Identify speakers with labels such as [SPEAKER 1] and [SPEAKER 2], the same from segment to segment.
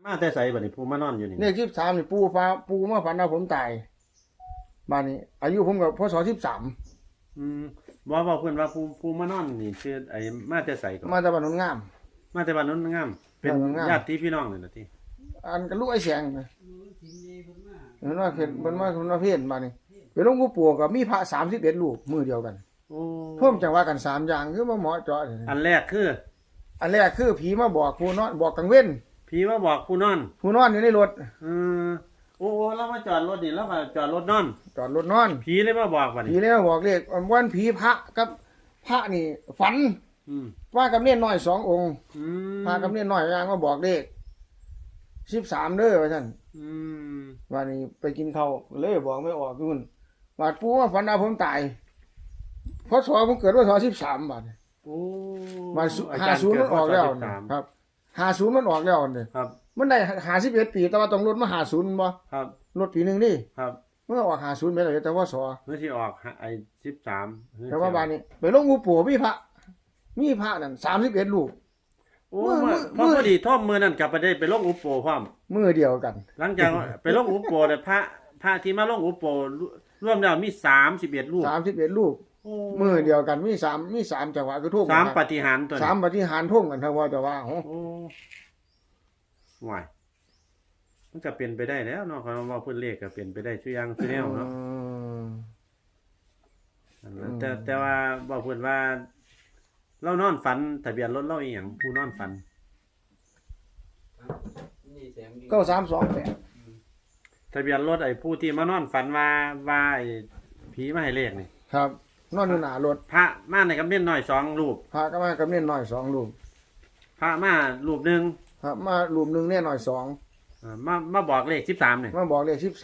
[SPEAKER 1] มาแต่ไสบัดนี้ผู้มานอนอยู่นี่
[SPEAKER 2] เลข13นี่ปูมาฝันว่าผมตายบ้านนี้ อายุผมก็พศ13
[SPEAKER 1] บ่เพิ่นว่าผู้มานอนนี่ชื่อไอ้มาแต่ไสก็
[SPEAKER 2] มาจากบ้านโนนงาม
[SPEAKER 1] มาแต่บ้านโนนงามเป็น
[SPEAKER 2] บ้านโนนงาม
[SPEAKER 1] ญาติพี่น้องนี่ล่ะติ
[SPEAKER 2] อันก็ลูกไอ้แสงนะเห็นว่าเพิ่นมาเพี้ยนบ้านนี้ไปหลวงปู่ปู่ก็มีพระ31รูปมือเดียวกัน
[SPEAKER 1] โอ้
[SPEAKER 2] ท่วมจังว่ากัน3อย่างคือว่าหมอเจาะนี่
[SPEAKER 1] อันแรกคือ
[SPEAKER 2] อันแรกคือผีมาบอกผู้นอนบอกกลางเว้น
[SPEAKER 1] ผีมาบอกผู้นอน
[SPEAKER 2] ผู้นอนอยู่ในรถ
[SPEAKER 1] เออโอ้เรามาจอดรถนี่แล้วก็จอดรถนอน
[SPEAKER 2] จอดรถนอน
[SPEAKER 1] ผีเลยมาบอกบัด
[SPEAKER 2] ผี
[SPEAKER 1] นี้
[SPEAKER 2] เลยมาบอกเลขวันผีพระกับพระนี่ฝัน
[SPEAKER 1] อืม
[SPEAKER 2] ว่ากับเนียนน้อย2องค์
[SPEAKER 1] อืม
[SPEAKER 2] พากับเนียนน้อยย่างมาบอกเลข13เด้อว่าซั่น
[SPEAKER 1] อืม
[SPEAKER 2] วันนี้ไปกินข้าวเลยบอกไม่ออกนู่นบาดปู่ว่าฝันว่าผมตายพศผมเกิดว่า13บาด
[SPEAKER 1] โอ้
[SPEAKER 2] บาด
[SPEAKER 1] อาจารย์
[SPEAKER 2] 50มันออกแล้ว
[SPEAKER 1] เด
[SPEAKER 2] นะ
[SPEAKER 1] พศ13
[SPEAKER 2] ครับ50มันออกแล้วนี่
[SPEAKER 1] ครับ
[SPEAKER 2] มันได้51ปีแต่ว่าต้องลดมา50บ่
[SPEAKER 1] ครับ
[SPEAKER 2] ลดปีนึงนี่
[SPEAKER 1] ครับ
[SPEAKER 2] เมื่อออก50ไปแล้วแต่ว่าสอ
[SPEAKER 1] เมื่อที่ออกไอ้13
[SPEAKER 2] แต่ว่าบาดนี้ไปลงงูปู่มีพระนั่น31รูป
[SPEAKER 1] โอ้
[SPEAKER 2] มื้อ
[SPEAKER 1] พอดีท่อมมือนั่นกลับไปได้ไปลงอุปโปพร้อม
[SPEAKER 2] มือเดียวกัน
[SPEAKER 1] หลังจาก ไปลงอุปโปเนี่ยพระที่มาลงอุปโปรวมแล้วมี31รูป
[SPEAKER 2] 31รูป
[SPEAKER 1] โอ้
[SPEAKER 2] มือเดียวกันมี3จังหวะคือทุ่ม
[SPEAKER 1] สามปฏิหารย์ตัวนี้
[SPEAKER 2] 3ปฏิหารย์ทุ่มกันทั้งว่าจะว่าโอ้
[SPEAKER 1] โอ้ห่วยมันก็เป็นไปได้แล้วเนาะคำว่าเพิ่นเลขก็เป็นไปได้ทุกอย่างทุกแนวเนาะอันนั้นแต่ว่าบอกเพิ่นว่า เรานอนฝันทะเบียนรถเราอีหยังผู้นอนฝัน
[SPEAKER 2] 9328
[SPEAKER 1] ทะเบียนรถไอ้ผู้ที่มานอนฝันว่าไอ้ผีมาให้เลขนี่
[SPEAKER 2] ครับนอนอยู่หน้ารถ
[SPEAKER 1] พระมาในกำเนิดน้อย2รูป
[SPEAKER 2] พระก็มากับเน่นน้อย2รูป
[SPEAKER 1] พระมารูปหนึง
[SPEAKER 2] ครับมารูปหนึงเน่นน้อย
[SPEAKER 1] มาบอกเลข13นี่
[SPEAKER 2] 2มาบอกเลข13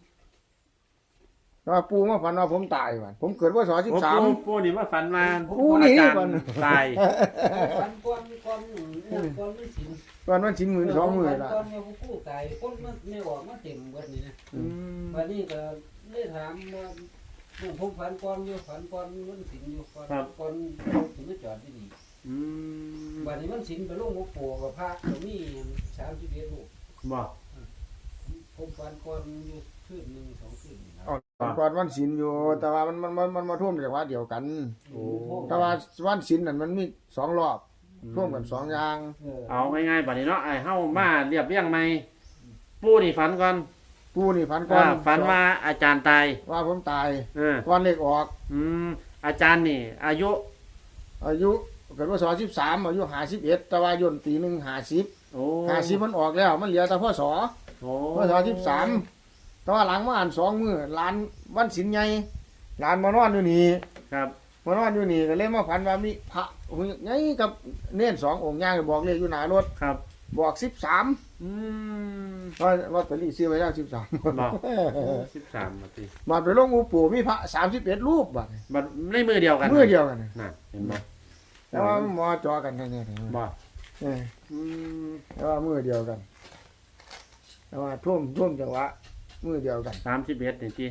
[SPEAKER 2] แต่ว่าปู่มาฝันว่าผมตายว่ะผมเกิดว่า
[SPEAKER 1] โอ้
[SPEAKER 2] ศ13
[SPEAKER 1] ปู่นี่มาฝันมา
[SPEAKER 2] ปู่นี่
[SPEAKER 1] อาจารย์
[SPEAKER 2] ก่อน
[SPEAKER 1] ตาย
[SPEAKER 3] ก่อนไม่สิน
[SPEAKER 2] วันวันชิ้นมือ2มื้อละ
[SPEAKER 3] ก่อนเนี่ยผู้ตายคนมันไม่ออกมาเต็มเบิดนี่นะวันนี้ก็เลยถามว่าผมฝันก่อนอยู่ฝันก่อนมันสินอยู่ก่อนถึงจะจอดที่นี่
[SPEAKER 1] อืม
[SPEAKER 3] วันนี้มันสินไปลงหัวโปกับพระตรงนี้31ลูก
[SPEAKER 1] บอก
[SPEAKER 3] ผมฝันก่อนอยู่คืนนึง2คืนนะ
[SPEAKER 2] ก่อนวันศีลอยู่แต่ว่ามันมาท่วมจังหวะเดียวกัน
[SPEAKER 1] โอ้
[SPEAKER 2] แต่ว่าวันศีลนั่นมันมี2รอบท่วมกัน2อย่าง
[SPEAKER 1] เอาง่ายๆบัดนี้เนาะไอ้เฮามาเรียบเรียงใหม่ปู่นี่ฝันก่อน
[SPEAKER 2] ปู่นี่ฝันก่อน
[SPEAKER 1] ฝันว่าอาจารย์ตาย
[SPEAKER 2] ว่าผมตาย
[SPEAKER 1] เ
[SPEAKER 2] วันเลขออก
[SPEAKER 1] อาจารย์นี่ อายุ
[SPEAKER 2] อายุเกิดว่า13อายุ51แต่ว่าย่นปีหนึง50
[SPEAKER 1] โอ้
[SPEAKER 2] 50มันออกแล้วมันเหลือแต่พศ
[SPEAKER 1] โอ้
[SPEAKER 2] พศ13แต่ว่าหลังมาอ่าน2มื้อหลานวันศีลใหญ่หลานมานอนอยู่นี่
[SPEAKER 1] ครับ
[SPEAKER 2] มานอนอยู่นี่ก็เลยมาฝันว่ามีพระองค์ใหญ่กับเน้น2องค์ย่างบอกเลขอยู่หน้ารถ
[SPEAKER 1] ครับ
[SPEAKER 2] บอก13
[SPEAKER 1] อืม
[SPEAKER 2] ว่าลอตเตอรี่ซื้อไว้แล้ว13
[SPEAKER 1] บอก13นาที
[SPEAKER 2] มาไปลงอูปู่มีพระ31รูปบัดนี้
[SPEAKER 1] บัดในมือเดียวกัน
[SPEAKER 2] มือเดียวกัน
[SPEAKER 1] น่ะเห็นบ่
[SPEAKER 2] แต่ว่าหมอจอกันแค่นี้
[SPEAKER 1] บ่
[SPEAKER 2] เออ
[SPEAKER 1] อืม
[SPEAKER 2] แต่ว่ามือเดียวกันแต่ว่าท่วมจังหวะมือเดียวกัน
[SPEAKER 1] 31นี่ติ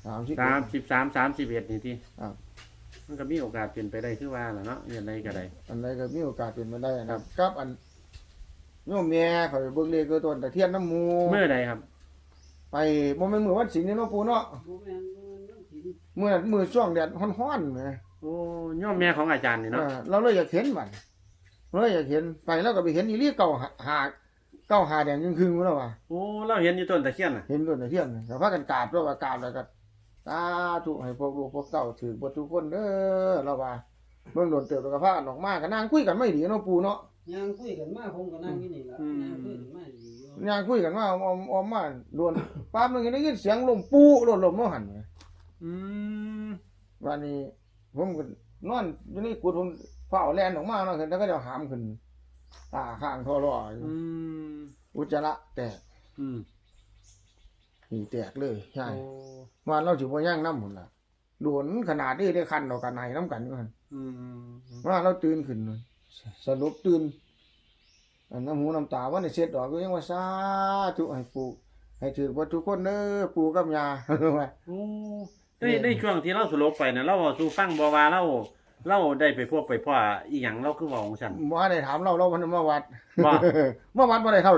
[SPEAKER 2] 30
[SPEAKER 1] 31นี่ติ
[SPEAKER 2] ครับ
[SPEAKER 1] มันก็มีโอกาสเป็นไปได้คือว่าล่ะเนาะเรียนอะไรก็ได้
[SPEAKER 2] อันใดก็มีโอกาสเป็นมาได้นะครับอันโยมแม่เขาไปเบิ่งเลขคือต้นตะเทียนน้ำหมู
[SPEAKER 1] มื้อใดครับ
[SPEAKER 2] ไปบ่แม่นมื้อวันศีลนี่เนาะปู่เนาะ
[SPEAKER 3] บ่แม่นมันสิน
[SPEAKER 2] มื้อช่วงแดดร้อนๆแหม
[SPEAKER 1] โอ้ย่อมแม่ของอาจารย์นี่เนาะ
[SPEAKER 2] เราเลยอยากเห็นมันเราเลยอยากเห็นไปแล้วก็ไปเห็นอีหลีเก่าหาแดงครึ่งๆแล้วว่า
[SPEAKER 1] โอ้เราเห็นอยู่ต้นตะเคียนน่ะ
[SPEAKER 2] เห็นต้นตะเทียนก็พากันกราบแล้วว่ากราบแล้วก็สาธุให้พวกลูกพวกเต้าถือบ่ทุกคนเด้อเราว่าเบิ่งโดนเติบแล้วก็พากันออกมาก็นั่งคุยกันไม่ดีเนาะปู่เนาะ
[SPEAKER 3] ย่างคุยกันมาผมก็นั่งอยู่นี่ล่ะย่างคุยกันมาอยู่
[SPEAKER 2] ย่างคุยกันมาออมมาโดนปั๊บนึงได้ยินเสียงลมปู่ลมเนาะหั่น
[SPEAKER 1] อืม
[SPEAKER 2] วันนี้ผมก็นอนอยู่ในกุฏิผมเฝ้าแล่นออกมาเนาะเห็นแล้วก็จะหามขึ้นตาข้างท่อรออยู่
[SPEAKER 1] อืม
[SPEAKER 2] อุจจาระแตก
[SPEAKER 1] อืม
[SPEAKER 2] หีแตกเลยใช่
[SPEAKER 1] โอ้
[SPEAKER 2] ว่าเราสิบ่ย่างน้ำพุ่นล่ะโดนขนาดนี้ได้คันดอกกันไหนน้ำกันอยู่หั่น
[SPEAKER 1] อืม
[SPEAKER 2] ว่าเราตื่นขึ้นสรุปตื่นอันน้ำหูน้ำตาว่าได้เช็ดดอกก็ยังว่าสาธุให้ปู่ให้ถือว่าทุกคนเด้อปู่กับย่า ว่า
[SPEAKER 1] โอ้ในช่วงที่เราสลบไปน่ะเราเว้าสู่ฟังบ่ว่าเราได้ไปพบไปพ่ออีหยังเราคือเว้าของฉัน
[SPEAKER 2] บ่ได้ถามเรามันมาวัด
[SPEAKER 1] บ่
[SPEAKER 2] มาวัดบ่ได้เข้าเดี๋ยวนี้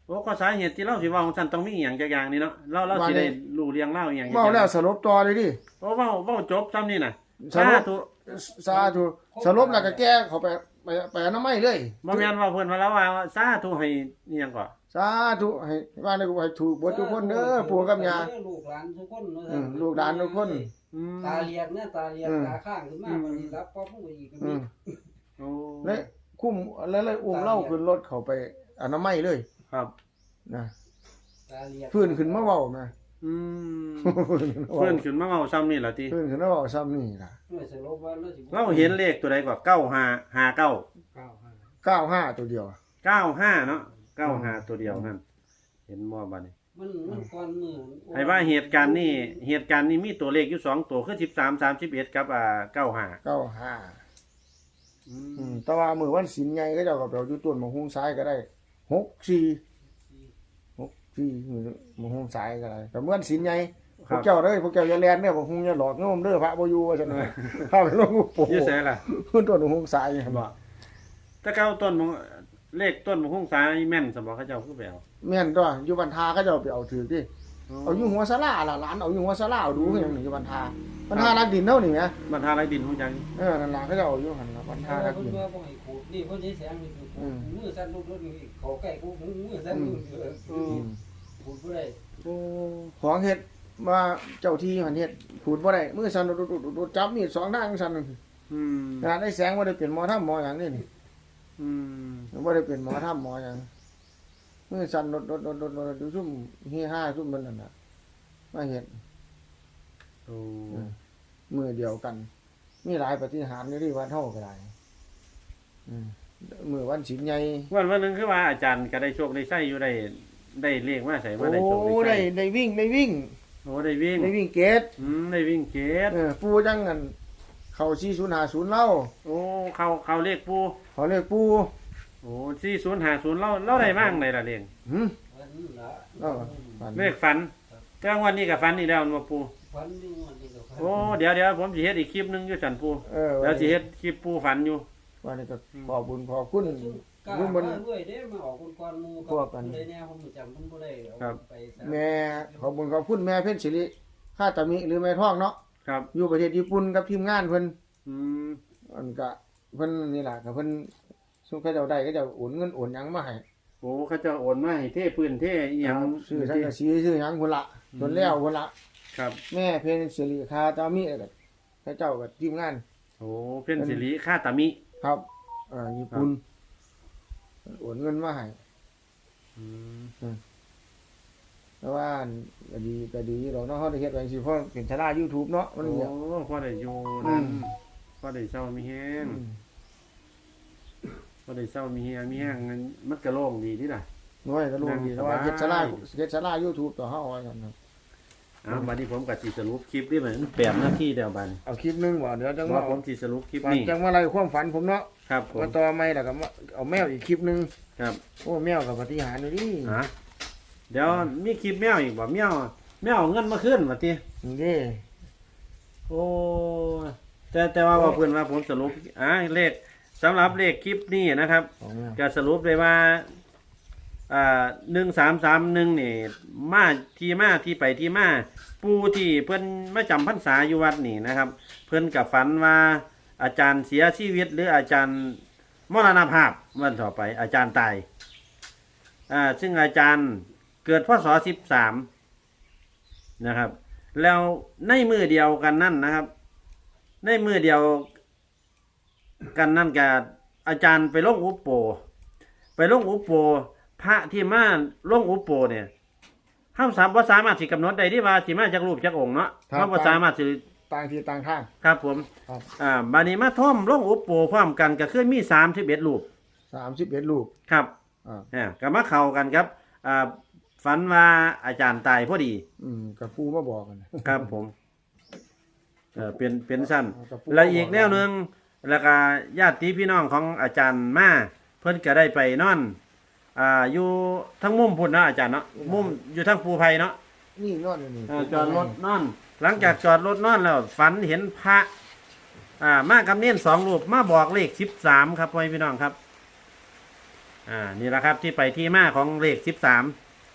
[SPEAKER 1] โอ้ก็สาเหตุที่เราสิเว้าของซั่นต้องมีอีหยังจักอย่างนี่เนาะเราสิได้รู้เรื่องเล่าอีหยัง
[SPEAKER 2] เว้าแล้วสรุปต่อเลยดิ
[SPEAKER 1] โอ้เว้าจบซ้ำนี่น่ะ
[SPEAKER 2] สรุป
[SPEAKER 1] ธุ
[SPEAKER 2] สาธุสรุปแล้วก็แก้เขาไปอนามัยเลย
[SPEAKER 1] บ่แม่นว่าเพิ่นว่าแล้วว่าสาธุให้อีหยังก่อ
[SPEAKER 2] สาธุให้ว่าได้ให้ถูกเบ่ทุกคนเด้อปู่กับย่า
[SPEAKER 3] ลูกหลานทุกคนเนาะ
[SPEAKER 2] ลูกหลานทุกคน
[SPEAKER 1] อืม
[SPEAKER 3] ตาเลียกเนี่ยตาเลียกตาข้างขึ้นมาวันนี้รับพ่อผู้อีกก็
[SPEAKER 2] อื
[SPEAKER 3] มี
[SPEAKER 2] ม
[SPEAKER 1] โอ้
[SPEAKER 2] และคุ้มแล้วเลยอุ้มเล่าขึ้นรถเขาไปอนามัยเลย
[SPEAKER 1] ครับ
[SPEAKER 2] นะ
[SPEAKER 3] ตาเลียก
[SPEAKER 2] พื้นขึ้นมาเว้านะ
[SPEAKER 1] อืมเพิ่นขึ้นมาเว้าซ้ำนี่ล่ะติ
[SPEAKER 2] พื้นขึ้นมาเว้าซ้ำนี่ล่ะ
[SPEAKER 3] ไม่สรุปว่าเราสิ
[SPEAKER 1] เราเห็นเลขตัวใดกว่า9559
[SPEAKER 2] 95ตัวเดียว
[SPEAKER 1] 95เนาะ95ตัวเดียวนั่นเห็นบ่บัดนี้
[SPEAKER 3] มันก่อนมือ
[SPEAKER 1] ให้ว่าเหตุการณ์นี้มีตัวเลขอยู่2ตัวคือ13 31กับ95
[SPEAKER 2] 95แต่ว่ามื้อวันศีลใหญ่ก็เจ้าก็ไปเอาอยู่ต้นมะฮุงซ้ายก็ได้64มื้อมะฮุงซ้ายก็ได้แต่มื้อวันศีลใหญ่พวกเจ้าเด้อพวกเจ้าอย่าแล่นเด้อมะฮุงอย่าหลอกโยมเด้อพระบ่อยู่ว่าซั่นน่ะพาไปลงอุปโภ
[SPEAKER 1] อยู่ไสล่ะ
[SPEAKER 2] ต้นมะฮุงซ้าย
[SPEAKER 1] บ่แต่เก่าต้นมงเลขต้นมงคงสายแม่นสมบ่เขาเจ้าคือไปเอา
[SPEAKER 2] แม่นตัวอยู่บันทาก็เจ้าไปเอาถือดิเอาอยู่หัวศาลาล่ะหลานเอาอยู่หัวศาลาเอาดูคือหยังนี่อยู่บันทารักดินเนาะนี่แหม
[SPEAKER 1] บรรทาไรดินฮู้จัง
[SPEAKER 2] นั่นล่ะเขาเจ้าเอาอยู่หั่นล่ะบันทารัก
[SPEAKER 3] เพิ่
[SPEAKER 2] ดิ
[SPEAKER 3] น
[SPEAKER 2] น
[SPEAKER 3] ว่าบ่ให้ขูดนี่เพิ่นสิแสงนี่คือมือสั่นลุกๆนี่เขาใกล้กูมือสั่นลุกขูดบ่ได้
[SPEAKER 1] โอ้
[SPEAKER 2] ของเฮ็ดว่าเจ้าที่มันเฮ็ดขูดบ่ได้มือสั่นดุดจับมีดสองทางสั่น
[SPEAKER 1] อืม
[SPEAKER 2] ขนาดได้แสงบ่ได้เป็นหมอทำหมอหยังนี่นี่
[SPEAKER 1] อืม
[SPEAKER 2] บ่ได้เป็นหมอทำหมอหยังมือสั่นดดูซุ่มเฮฮาซุ่มมันนั่นน่ะมาเฮ็ด
[SPEAKER 1] โอ้
[SPEAKER 2] มือเดียวกัน มีหลายปฏิหารอยู่ที่วัดเฮาก็ได้มือวันศีลใหญ่
[SPEAKER 1] วันหนึงคือว่าอาจารย์ก็ได้โชคได้ไส้อยู่ได้เลขมาใส่มาได้โชค
[SPEAKER 2] โอ้
[SPEAKER 1] ได้
[SPEAKER 2] ได้
[SPEAKER 1] ไส้
[SPEAKER 2] วิ่ง
[SPEAKER 1] โอ้ได้วิ่ง
[SPEAKER 2] ได้วิ่งเกต
[SPEAKER 1] ได้วิ่งเกต
[SPEAKER 2] ปูจังกันเข้า4050เล่า
[SPEAKER 1] โอ้เขาเลขปู
[SPEAKER 2] เขาเรียกปู
[SPEAKER 1] โอ้4050เราได้บ้างได้ล่ะเลข
[SPEAKER 2] หึ
[SPEAKER 3] วันนี้ละ
[SPEAKER 1] เลขฝันแต่วันนี้ก็ฝันอีกแล้วบ่ปู
[SPEAKER 3] วันนี้วันนี้ก็
[SPEAKER 1] โอ้เดี๋ยวผมสิเฮ็ดอีกคลิปหนึงอยู่จันปู
[SPEAKER 2] วั
[SPEAKER 1] แล้วสิเฮ็ดคลิปปูฝันอยู่
[SPEAKER 2] วันนี้ก็ขอบุญขอบคุณ
[SPEAKER 3] กล้า
[SPEAKER 2] ลุง
[SPEAKER 3] มา
[SPEAKER 2] บน
[SPEAKER 3] ด้วยเด้มาออกคนก่อนหมู่กับได้แน่ผมจำเพิ่นบ่ได้เอาไป
[SPEAKER 2] แม่ขอบุญขอบคุณแม่เพ็ญศิริข้าตามิหรือแม่ท้องเนาะ
[SPEAKER 1] ครับ
[SPEAKER 2] อยู่ประเทศญี่ปุ่นกับทีมงานเพิ่น
[SPEAKER 1] อืม
[SPEAKER 2] อันก็เพิ่นนี่ล่ะก็เพิ่นสุขเขาเจ้าได้ก็เจ้าโอนเงินโอนหยังมาให้
[SPEAKER 1] โอ้เขาจะโอนมาให้เทพื้นเทอีหยัง
[SPEAKER 2] ซื้อสังกะสีซื้อหยังพุ่นละจนแล้วพุ่นละ
[SPEAKER 1] ครับ
[SPEAKER 2] แม่เพ็ญศิริข้าตามิก็เขาเจ้ากับทีมงาน
[SPEAKER 1] โอ้เพิ่นสิริค่าตามิ
[SPEAKER 2] ครับญี่ปุ่นโอนเงินมาให้
[SPEAKER 1] อืม
[SPEAKER 2] แต่ว่าก็ดีดอกเนาะเฮาได้เฮ็ดไว้สิเพราะเป็นชารา YouTube เนาะมัน
[SPEAKER 1] โอ้
[SPEAKER 2] เนี่ย
[SPEAKER 1] พอได้อยู่นั่นพอได้เศร้ามีแฮงพอได้เศร้ามีแฮงงั้นมันก็โล่งดีติล่ะ
[SPEAKER 2] น้อยก็รู้ดีแต่ว่า
[SPEAKER 1] นั่งสบาย
[SPEAKER 2] เฮ็ดชารา YouTube ต่อเฮาว่าซั่นนะ
[SPEAKER 1] บัดนี้ผมก็สิสรุปคลิปนี่มัน8นาทีเดียวบัดนี้
[SPEAKER 2] เอาคลิปหนึงบ่เดี๋ยวจัง
[SPEAKER 1] ว่า
[SPEAKER 2] ว่า
[SPEAKER 1] ผมสิสรุปคลิป
[SPEAKER 2] วัน
[SPEAKER 1] นี้
[SPEAKER 2] จังว่าอะไรความฝันผมเนาะ
[SPEAKER 1] ครับผม
[SPEAKER 2] มาต่อใหม่แล้วก็มาเอาแมวอีกคลิปหนึง
[SPEAKER 1] ครับ
[SPEAKER 2] โอ้แมวกับปฏิหารย์อยู่ดิ
[SPEAKER 1] เดี๋ยวมีคลิปแมวอีกบ่แมวเอาเงินมาคืนว่าติ
[SPEAKER 2] นี่เด้
[SPEAKER 1] โอ้แต่ว่าเพิ่นว่าผมสรุปเลขสำหรับเลขคลิปนี้นะครับ
[SPEAKER 2] ของแมว
[SPEAKER 1] ก็สรุปได้ว่า1331นี่มาที่ไปที่มาปู่ที่เพิ่นมาจำพรรษาอยู่วัดนี่นะครับ เพิ่นก็ฝันว่าอาจารย์เสียชีวิตหรืออาจารย์มรณภาพวันต่อไปอาจารย์ตายซึ่งอาจารย์เกิดพศ13นะครับ แล้วในมือเดียวกันนั่นนะครับ ในมือเดียวกันนั่นกับอาจารย์ไปลงอุปโปพระที่มาลงอุปโปเนี่ยเฮาสามารถสิกำหนดได้ที่ว่าสิมาจากรูปจากองค์เนาะเฮาบ่สามารถสิ
[SPEAKER 2] ต่างที่ต่างทาง
[SPEAKER 1] ครับผม
[SPEAKER 2] ครับ
[SPEAKER 1] บัดนี้มาท่อมลงอุปโปพร้อมกันก็คือมี31รูป
[SPEAKER 2] 31รูป
[SPEAKER 1] ครับ ก็มาเข้ากันครับฝันว่าอาจารย์ตายพอดี
[SPEAKER 2] กับปู่มาบอกกัน
[SPEAKER 1] ครับผมเป็นสั้น
[SPEAKER 2] กับปู่
[SPEAKER 1] แล้วอีกแนวหนึงแล้วก็ญาติพี่น้องของอาจารย์มาเพิ่นก็ได้ไปนอนอยู่ทั้งมุมพุ่นเนาะอาจารย์เนาะมุมอยู่ทั้งภูไผ่เนาะ
[SPEAKER 2] นี่นอนอยู่นี่
[SPEAKER 1] จอดรถนอน หลังจากจอดรถนอนแล้วฝันเห็นพระมากับเนียน2รูปมาบอกเลข13ครับพ่อพี่น้องครับนี่แหละครับที่ไปที่มาของเลข13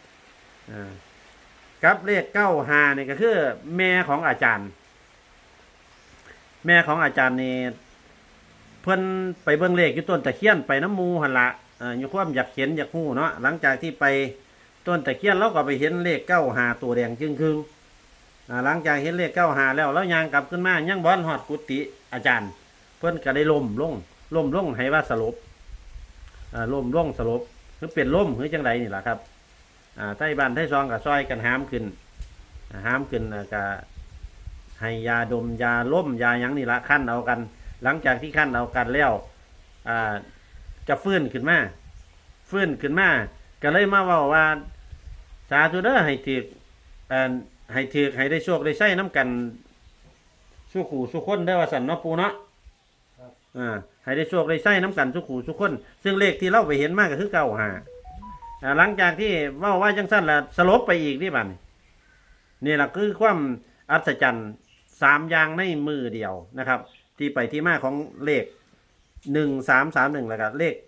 [SPEAKER 1] กับเลข95นี่ก็คือแม่ของอาจารย์ แม่ของอาจารย์นี่เพิ่นไปเบิ่งเลขอยู่ต้นตะเคียนไปน้ำมูหั่นละอยู่ความอยากเห็นอยากฮู้เนาะหลังจากที่ไปต้นตะเคียนเราก็ไปเห็นเลข95ตัวแดงจึงครึ่งหลังจากเห็นเลข95แล้วย่างกลับขึ้นมายังบ่ฮอดกุฏิอาจารย์ เพิ่นก็ได้ล้มลงให้ว่าสลบล้มลงสลบคือเป็นล้มหรือจังไดนี่ล่ะครับไทบ้านไทซองก็ซอยกันหามขึ้นก็ให้ยาดมยาล้มยาหยังนี่ละขั้นเอากัน หลังจากที่ขั้นเอากันแล้วจะฟื้นขึ้นมาก็เลยมาเว้าว่าสาธุเด้อให้ถือให้ได้โชคได้ใช้น้ำกันสู้ขู่สู้คนได้อว่าสันเนาะปูเนาะให้ได้โชคได้ใช้น้ำกันสู้ขู่สู้คนซึ่งเลขที่เราไปเห็นมากก็คือ95หลังจากที่เว้าว่าจังสั้นละสลบไปอีกนี่บัดนี่แหละคือความอัศจรรย์3อย่างในมือเดียวนะครับที่ไปที่มาของเลข1331แล้วก็เลข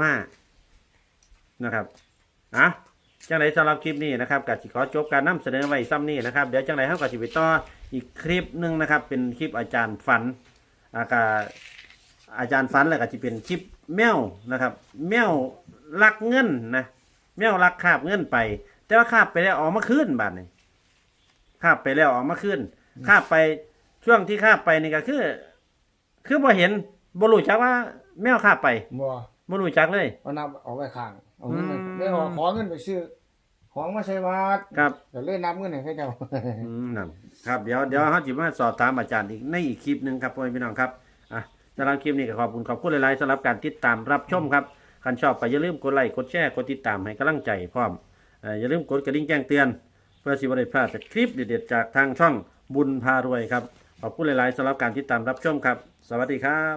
[SPEAKER 1] 95นะครับจังไรสำหรับคลิปนี้นะครับก็สิขอจบการนำเสนอไว้ซ้ำนี้นะครับเดี๋ยวจังไรเฮาก็สิไปต่ออีกคลิปนึงนะครับเป็นคลิปอาจารย์ฝันอาจารย์ฝันแล้วก็สิเป็นคลิปแมวนะครับแมวลักเงินนะแมวลักคาบเงินไปแต่ว่าคาบไปแล้วออกมาคืนบัดนี้คาบไปแล้วออกมาคืนคาบไปช่วงที่คาบไปนี่ก็คือบ่เห็นบ่รู้จักว่าแมวคาบไปบ่รู้จักเลย
[SPEAKER 2] เอานำเอาไว้ข้างเอาเงินไม่ออกขอเงินไปซื้อของมาใช้วัด
[SPEAKER 1] ครับ
[SPEAKER 2] ก็เลยนำเงินให้เขาเจ้า
[SPEAKER 1] นั่นครับเดี๋ยวเฮาสิมาสอบถามอาจารย์อีกในอีกคลิปหนึงครับพ่อแม่พี่น้องครับสำหรับคลิปนี้ก็ขอบคุณหลายๆสำหรับการติดตามรับชมครับคันชอบก็อย่าลืมกดไลค์กดแชร์กดติดตามให้กำลังใจพร้อมอย่าลืมกดกระดิ่งแจ้งเตือนเพื่อสิบ่ได้พลาดจากคลิปเด็ดๆจากทางช่องบุญพารวยครับขอบคุณหลายๆสำหรับการติดตามรับชมครับสวัสดีครับ